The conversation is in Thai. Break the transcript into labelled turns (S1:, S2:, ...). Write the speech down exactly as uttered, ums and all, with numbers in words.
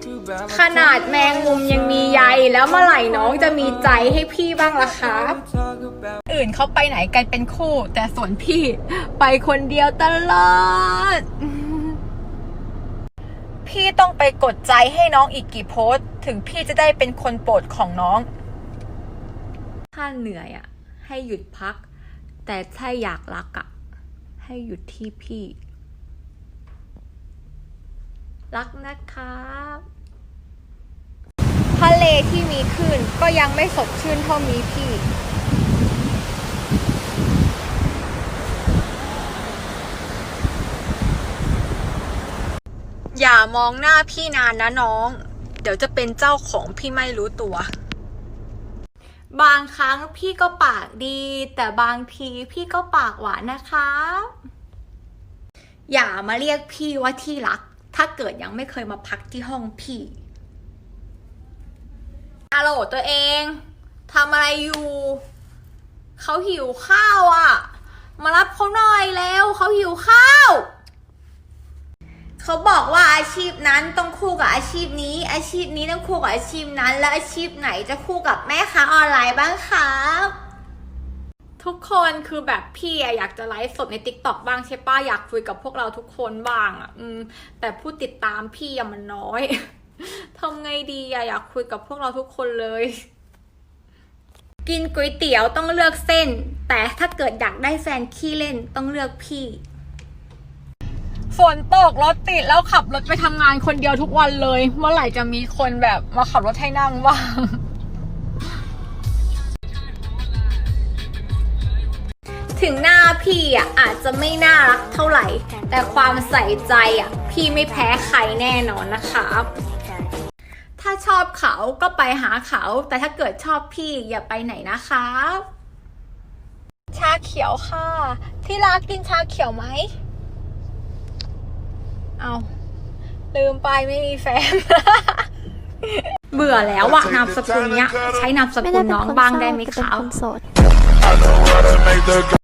S1: ขนาดแมงมุมยังมีใยแล้วเมื่อไหร่น้องจะมีใจให้พี่บ้างล่ะครับอื่นเขาไปไหนกันเป็นคู่แต่ส่วนพี่ไปคนเดียวตลอดพี่ต้องไปกดใจให้น้องอีกกี่โพสต์ถึงพี่จะได้เป็นคนโปรดของน้องถ้าเหนื่อยอ่ะให้หยุดพักแต่ถ้าอยากรักอ่ะให้หยุดที่พี่รักนะครับทะเลที่มีคลื่นก็ยังไม่สดชื่นเท่ามีพี่อย่ามองหน้าพี่นานนะน้องเดี๋ยวจะเป็นเจ้าของพี่ไม่รู้ตัวบางครั้งพี่ก็ปากดีแต่บางทีพี่ก็ปากหวานนะคะอย่ามาเรียกพี่ว่าที่รักถ้าเกิดยังไม่เคยมาพักที่ห้องพี่ฮัลโหลตัวเองทำอะไรอยู่เขาหิวข้าวอ่ะมารับเขาหน่อยแล้วเขาหิวข้าวเขาบอกว่าอาชีพนั้นต้องคู่กับอาชีพนี้อาชีพนี้ต้องคู่กับอาชีพนั้นแล้วอาชีพไหนจะคู่กับแม่ค้าออนไลน์บ้างครับทุกคนคือแบบพี่อยากจะไลฟ์สดใน ติ๊กต็อก บ้างใช่ป้ะอยากคุยกับพวกเราทุกคนบ้างอ่ะอืมแต่ผู้ติดตามพี่อะมันน้อยทำไงดีอะอยากคุยกับพวกเราทุกคนเลยกินก๋วยเตี๋ยวต้องเลือกเส้นแต่ถ้าเกิดอยากได้แฟนขี้เล่นต้องเลือกพี่ฝนตกรถติดแล้วขับรถไปทำงานคนเดียวทุกวันเลยเมื่อไหร่จะมีคนแบบมาขับรถให้นั่งบ้างถึงหน้าพี่อ่ะอาจจะไม่น่ารักเท่าไหร่แต่ความใส่ใจอ่ะพี่ไม่แพ้ใครแน่นอนนะครับถ้าชอบเขาก็ไปหาเขาแต่ถ้าเกิดชอบพี่อย่าไปไหนนะครับชาเขียวค่ะที่รักกินชาเขียวไหมเอาลืมไปไม่มีแฟน เบื่อแล้วว่ะนามสกุลเนี้ยใช้นามสกุลน้องบ้างได้ไหมครับ